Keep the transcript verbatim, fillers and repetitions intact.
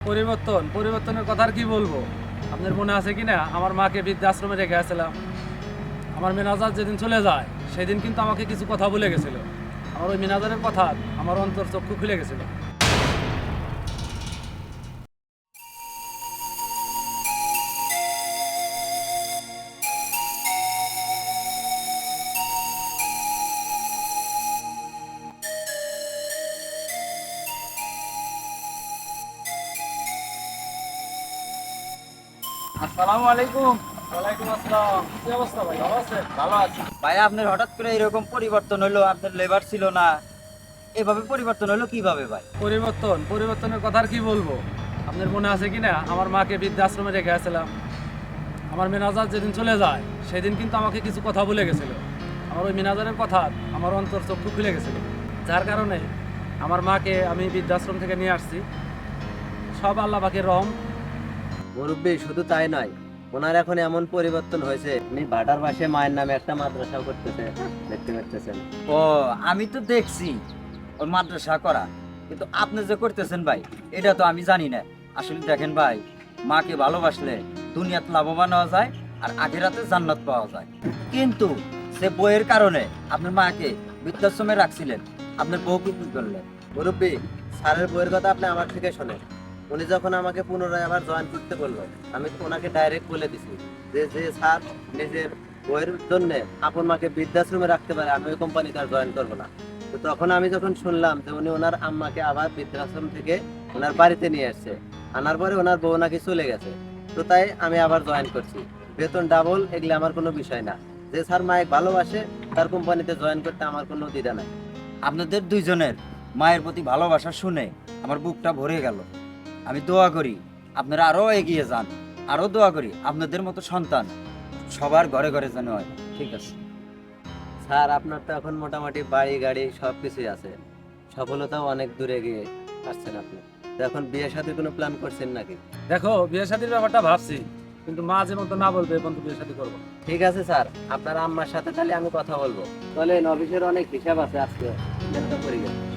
পরিবর্তন পরিবর্তনের কথা আর কি বলবো। আপনার মনে আছে কি না, আমার মাকে বৃদ্ধাশ্রমে রেখে আসছিলাম। আমার মেনাজার যেদিন চলে যায় সেদিন কিন্তু আমাকে কিছু কথা বলে গেছিল। আমার ওই মেনাজারের কথা আমার অন্তর চক্ষু খুলে গেছিল। আসসালামু আলাইকুম। ওয়ালাইকুম আসসালাম। কি অবস্থা ভাই, ভালো আছেন? ভালো আছি ভাই। আপনার হঠাৎ করে এরকম পরিবর্তন হলো, আপনার লেবার ছিল না, এভাবে পরিবর্তন হলো কিভাবে ভাই? পরিবর্তন পরিবর্তনের কথা আর কি বলবো। আপনার মনে আছে কি না, আমার মাকে বৃদ্ধাশ্রমে রেখে আসছিলাম। আমার মেনাজার যেদিন চলে যায় সেদিন কিন্তু আমাকে কিছু কথা বলে গেছিল। আমার ওই মেনাজারের কথা আমার অন্তর চক্ষু খুলে গেছিল, যার কারণে আমার মাকে আমি বৃদ্ধাশ্রম থেকে নিয়ে আসছি। সব আল্লাহ পাকের রহম। মুরব্বী শুধু তাই নয়, ওনার এখন এমন পরিবর্তন হয়েছে, উনি ভাটার পাশে মায়ের নামে একটা মাদ্রাসাও করতেছে, দেখতে পাচ্ছেন। ও, আমি তো দেখছি ওর মাদ্রাসা করা, কিন্তু আপনি যে করতেছেন ভাই এটা তো আমি জানি না। আসলে দেখেন ভাই, মাকে ভালোবাসলে দুনিয়াতে লাভবান হওয়া যায় আর আখেরাতে জান্নাত পাওয়া যায়। কিন্তু সে বইয়ের কারণে আপনার মাকে বৃদ্ধাশ্রমে রাখছিলেন, আপনার বউ কি করলেন? মুরব্বী, স্যারের বইয়ের কথা আপনি আমার থেকে শোনেন। উনি যখন আমাকে পুনরায় আবার জয়েন করতে বললো, আমি তো ওনাকে ডাইরেক্ট বলে দিছি যে যে স্যার নিজের বইয়ের জন্য আপন মাকে বৃদ্ধাশ্রমে রাখতে পারে, আমি ওই কোম্পানিতে আর জয়েন করবো না। তো তখন আমি যখন শুনলাম যে উনি ওনার আম্মাকে আবার বৃদ্ধাশ্রম থেকে ওনার বাড়িতে নিয়ে আসছে, আনার পরে ওনার বউ নাকি চলে গেছে, তো তাই আমি আবার জয়েন করছি। বেতন ডাবল এগুলো আমার কোনো বিষয় না। যে স্যার মায়ের ভালোবাসে তার কোম্পানিতে জয়েন করতে আমার কোনো দ্বিধা নাই। আপনাদের দুইজনের মায়ের প্রতি ভালোবাসা শুনে আমার বুকটা ভরে গেল। আমি দোয়া করি আপনারা আরো এগিয়ে যান, আরো দোয়া করি আপনাদের মতো সন্তান সবার ঘরে ঘরে যেন হয়। ঠিক আছে স্যার, আপনার তো এখন মোটামুটি বাড়ি গাড়ি সব কিছুই আছে, সফলতাও অনেক দূরে গিয়ে আসছেন আপনি। তো এখন বিয়ে শাদীর কোনো প্ল্যান করছেন নাকি? দেখো, বিয়ে শাদীর ব্যাপারটা ভাবছি, কিন্তু মা যে মতো না বলবে এখন তো বিয়ে শাদী করবো। ঠিক আছে স্যার, আপনার আম্মার সাথে তাহলে আমি কথা বলবো। তাহলে অফিসের অনেক হিসাব আছে, আজকে করি গেছে।